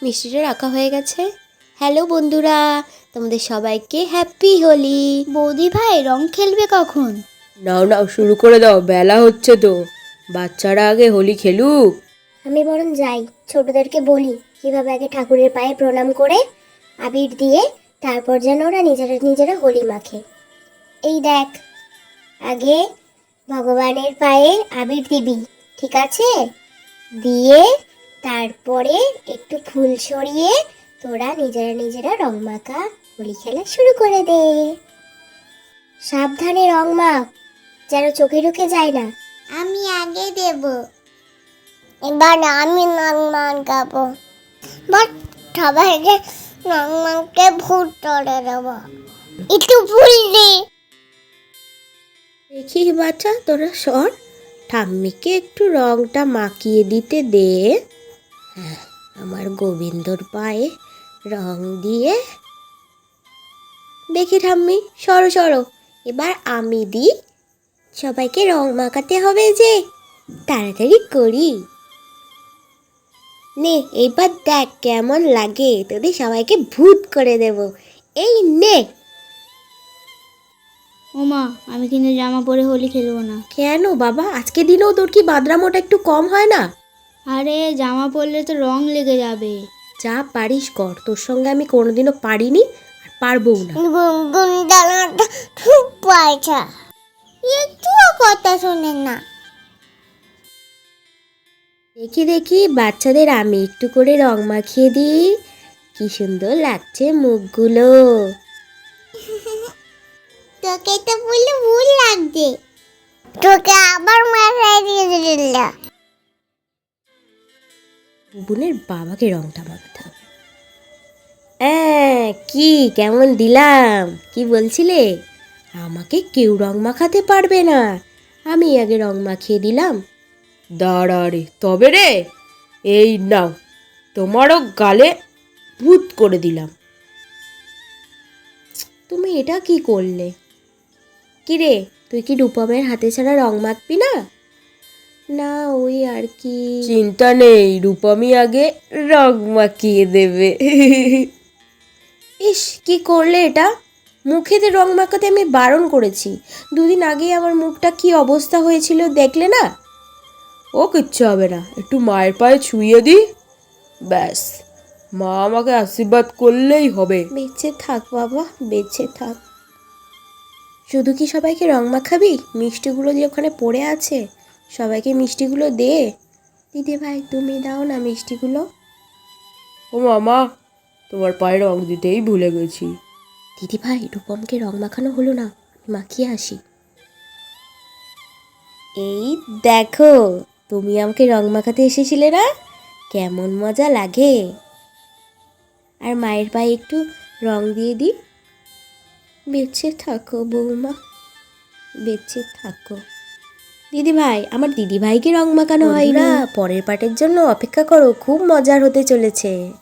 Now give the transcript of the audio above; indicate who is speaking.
Speaker 1: মিষ্টিটা রাখা হয়ে গেছে। হ্যালো বন্ধুরা, তোমাদের সবাইকে হ্যাপি হোলি।
Speaker 2: বৌদি ভাই রং খেলবে কখন?
Speaker 3: নাও নাও শুরু করে দাও, বেলা হচ্ছে তো, বাচ্চারা আগে হোলি খেলুক।
Speaker 2: আমি বরং যাই, ছোটদেরকে বলি কিভাবে আগে ঠাকুরের পায়ে প্রণাম করে আবির দিয়ে তারপর যেন ওরা নিজেরা নিজেরা হোলি মাখে। এই দেখ, আগে ভগবানের পায়ে আবির দিবি, ঠিক আছে? দিয়ে তারপরে একটু ফুল ছড়িয়ে তোরা নিজেরা নিজেরা রং মাখা হোলি খেলা শুরু করে দে। সাবধানে রং মাখ, যেন চোখে ঢুকে যায় না। আমি আগে দেব, এবার আমি রং মাখাবো। বাট সবাইকে রং মাখতে ভূত করে দেবো। একটু ফুল দে।
Speaker 1: দেখি বাচ্চা, তোরা সর, ঠাম্মিকে একটু রংটা মাখিয়ে দিতে দে। হ্যাঁ, আমার গোবিন্দর পায়ে রং দিয়ে দেখি। ঠাম্মি সরো সরো, এবার আমি দিই। সবাইকে রং মাখাতে হবে যে, তাড়াতাড়ি করি। নে এবার দেখ কেমন লাগে, তোদের সবাইকে ভূত করে দেব। এই নে।
Speaker 2: ওমা, আমি কিন্তু জামা পরে হোলি খেলবো না।
Speaker 1: কেন বাবা, আজকে দিনেও তোর কি বাদরামোটা একটু কম হয় না?
Speaker 2: আরে জামা পরলে তো রং লেগে যাবে।
Speaker 1: যা পারিস কর, তোর সঙ্গে আমি কোনোদিনও পারিনি আর পারবও না।
Speaker 2: গুনগুনটা খুব পয়সা, একটুও কথা শোনেন না।
Speaker 1: দেখি দেখি বাচ্চাদের আমি একটু করে রং মাখিয়ে দিই। কি সুন্দর লাগছে মুখগুলো।
Speaker 2: তোকে তো বলে ভুল লাগছে, তোকে আবার মাথায় দিয়ে দিল।
Speaker 1: বুবুনের বাবাকে রংটা মাখাতে হবে। কি কেমন দিলাম? কি বলছিলে? আমাকে কেউ রং মাখাতে পারবে না, আমি আগে রং মাখিয়ে দিলাম।
Speaker 3: দাঁড়া রে, তবে রে, এই নাও, তোমারও গালে ভূত করে দিলাম।
Speaker 1: তুমি এটা কি করলে? কি রে, তুই কি রূপমের হাতে ছাড়া রং মাখবি না? না ওই আর কি।
Speaker 3: চিন্তা নেই, রূপমি আগে রং মাখিয়ে দেবে।
Speaker 1: ইস, কি করলে এটা? মুখেতে রং মাখাতে আমি বারণ করেছি। দুদিন আগে আমার মুখটা কি অবস্থা হয়েছিল দেখলে না?
Speaker 3: ও কিচ্ছু হবে না, একটু মায়ের পায়ে ছুঁয়ে দিই, ব্যাস, মা আমাকে আশীর্বাদ করলেই হবে।
Speaker 1: বেঁচে থাক বাবা, বেঁচে থাক। শুধু কি সবাইকে রং মাখাবি? মিষ্টিগুলো যে ওখানে পড়ে আছে, সবাইকে মিষ্টিগুলো দে। দিদি ভাই তুমি দাও না মিষ্টিগুলো।
Speaker 3: ও মামা, তোমার পায়ে রং দিতেই ভুলে গেছি।
Speaker 1: দিদি ভাই, রূপমকে রং মাখানো হলো না, আমি মাখিয়ে আসি। এই দেখো, তুমি আমাকে রং মাখাতে এসেছিলে না? কেমন মজা লাগে। আর মায়ের পায়ে একটু রং দিয়ে দিই। বেঁচে থাকো বৌমা, বেঁচে থাকো। দিদি ভাই, আমার দিদি ভাইকে রং মাখানো হয় না। পরের পার্টের জন্য অপেক্ষা করো, খুব মজার হতে চলেছে।